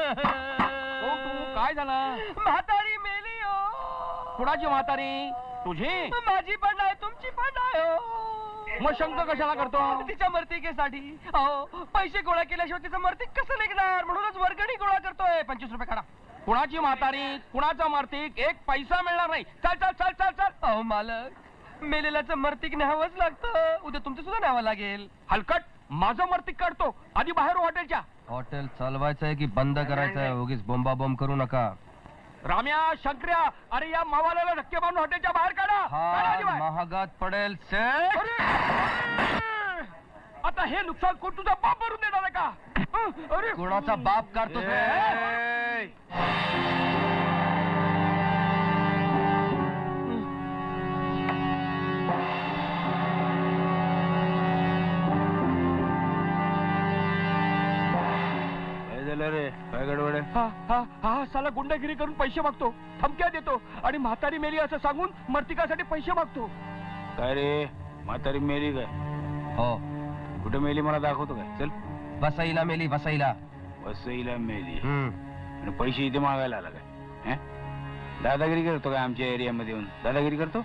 तू काय झालं? म्हातारी मेली हो. कुणाची म्हातारी? तुझी? माझी पण नाही, तुमची पण नाही हो. मग शंक कशाला करतो? तिच्या मर्तिकेसाठी. अहो, पैसे गोळा केल्याशिवाय तिचं मर्तिक कसं निघणार, म्हणूनच वर्गणी गोळा करतोय. 25 रुपये काढा. कुणाची म्हातारी, कुणाचा मर्तिक, एक पैसा मिळणार नाही. चल चल चल चल चल. अहो मालक, मेलेल्याचं मर्तिक न्यावंच लागतं. उद्या तुमचं सुद्धा न्यावं लागेल. हलकट, माझं मर्तिक काढतो आधी बाहेर हॉटेलच्या. हॉटेल चालवायचं आहे की बंद करायचं आहे? उगीच बोंबाबोंब करू नका. राम्या, शंकर्या, अरे या मावाल्याला धक्के मारून हॉटेलच्या बाहेर काढा. काढा आधी बाहेर. महागात पडेल सेठ. अरे! आता हे नुकसान कोण तुझा बाप भरून देणार आहे का? अरे कोणाचा बाप काढतो रे? काय गडबड आहे? हा साला गुंडगिरी करून पैसे मागतो, धमक्या देतो आणि म्हातारी मेली असं सांगून मर्तिकासाठी पैसे मागतो. काय रे, म्हातारी मेली काय? हो. कुठे मेली मला दाखवतो काय? चल. वसईला मेली, वसईला. वसईला मेली आणि पैसे इथे मागायला आला काय? दादागिरी करतो काय आमच्या एरियामध्ये येऊन? दादागिरी करतो?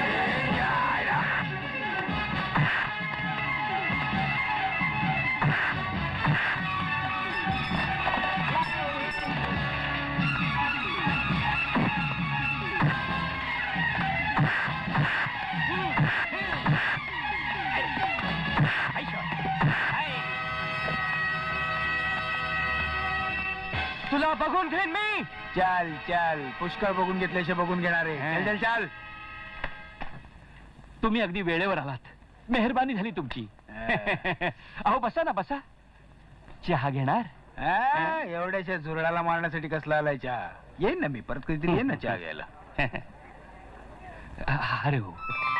तुला बघून घेईन मी. चाल चाल, पुष्कळ बघून घेतल्याशिवाय बघून घेणार आहे. चल चाल. तुम्ही अगदी वेळेवर आलात, मेहरबानी झाली तुमची. अहो बसा ना, बसा. चहा घेणार? एवढ्याशा झुरळाला मारण्यासाठी कसला आलाय चहा? येईन ना मी परत कधीतरी, येईन ना चहा घ्यायला. अरे हो,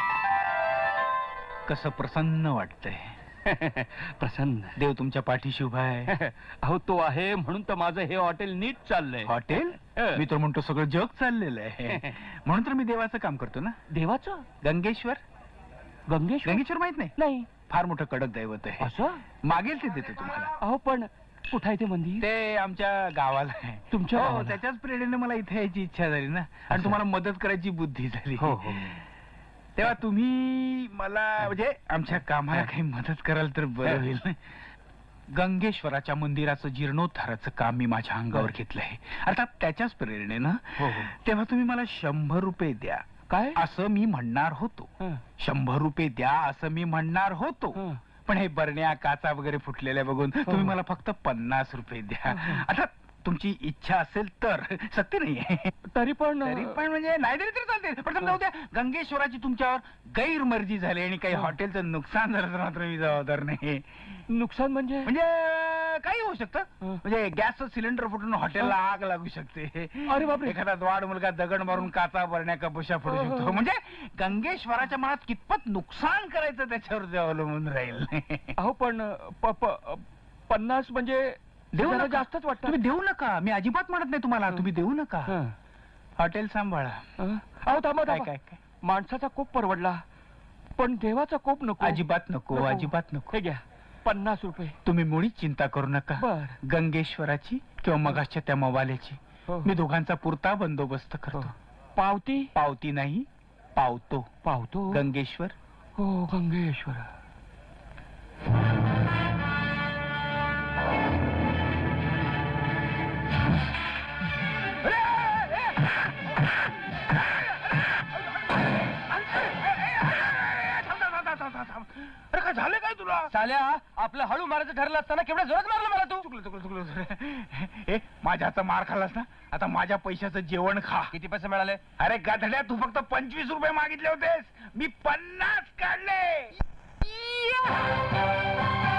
कसं प्रसन्न वाटतंय. प्रसन्न. देव तुमच्या पाठीशी उभा आहे. अहो तो आहे म्हणून तर माझं हे हॉटेल नीट चाललंय. हॉटेल? मी तर म्हणतो सगळं जग चाललेलं आहे. म्हणून तर मी देवाचं काम करतो ना. देवाचं? गंगेश्वर. गंगेश्वर माहित नाही? नाही. फार मोठं कडक दैवत आहे. असं? मागेल ते देतो तुम्हाला. अहो पण कुठं आहे ते मंदिर? ते आमच्या गावाला आहे. तुमच्या हो, गावाला? त्याच्याच प्रेरणेने मला इथे यायची इच्छा झाली ना, आणि तुम्हाला मदत करायची बुद्धी झाली. हो हो. तेव्हा तुम्ही मला म्हणजे आमच्या कामाला काही मदत कराल तर बरं होईल. गंगेश्वराच्या मंदिराचं जीर्णोद्धाराचं काम मी माझ्या अंगावर घेतलंय, अर्थात त्याच्याच प्रेरणेनं. तेव्हा तुम्ही मला 100 रुपये द्या. काय? असं मी म्हणणार होतो. 100 रुपये द्या असं मी म्हणणार होतो. पण हे बरण्या काचा वगैरे फुटलेल्या बघून तुम्ही मला फक्त 50 रुपये द्या. आता तुमची इच्छा असेल तर. सत्य नाहीये. तरी पण म्हणजे नाही दिली तरी चालते. पण समजा उद्या गंगेश्वराची तुमच्यावर गैरमर्जी झाली आणि काही हॉटेलचं नुकसान झालं तर मात्र मी जबाबदार नाही. नुकसान म्हणजे? म्हणजे काही होऊ शकतं. म्हणजे गॅसचं सिलेंडर फुटून हॉटेलला आग लागू शकते. अरे बापरे. एखादा द्वाड मुलगा दगड मारून काचा भरण्या कपुशा फोडू शकतो. म्हणजे गंगेश्वराच्या मनात कितपत नुकसान करायचं त्याच्यावर ते अवलंबून राहील. अहो पण 50 म्हणजे देऊ नका. जास्तच वाटतं. तुम्ही देऊ नका. मी अजिबात म्हणत नाही तुम्हाला. तुम्ही देऊ नका. हॉटेल सांभाळा. अहो थांबा. काय माणसाचा कोप परवडला पण देवाचा कोप नको. अजिबात नको. अजिबात नको. हे घ्या 50 रुपये. तुम्ही मुळीच चिंता करू नका. गंगेश्वराची किंवा मगाच्या त्या मवाल्याची मी दोघांचा पुरता बंदोबस्त करतो. पावती नाही, पावतो. गंगेश्वर. हो गंगेश्वर. अरे काय झालं काय तुला? साल्या, आपलं हळू मारायचं ठरलं असताना केवढं जोरात मारलं मला तू. चुकलं. ए, माझ्या मार खाल्लास ना, आता माझ्या पैशाचं जेवण खा. किती पैसे मिळाले? अरे गाधड्या, तू फक्त 25 रुपये मागितले होतेस, मी 50 काढले.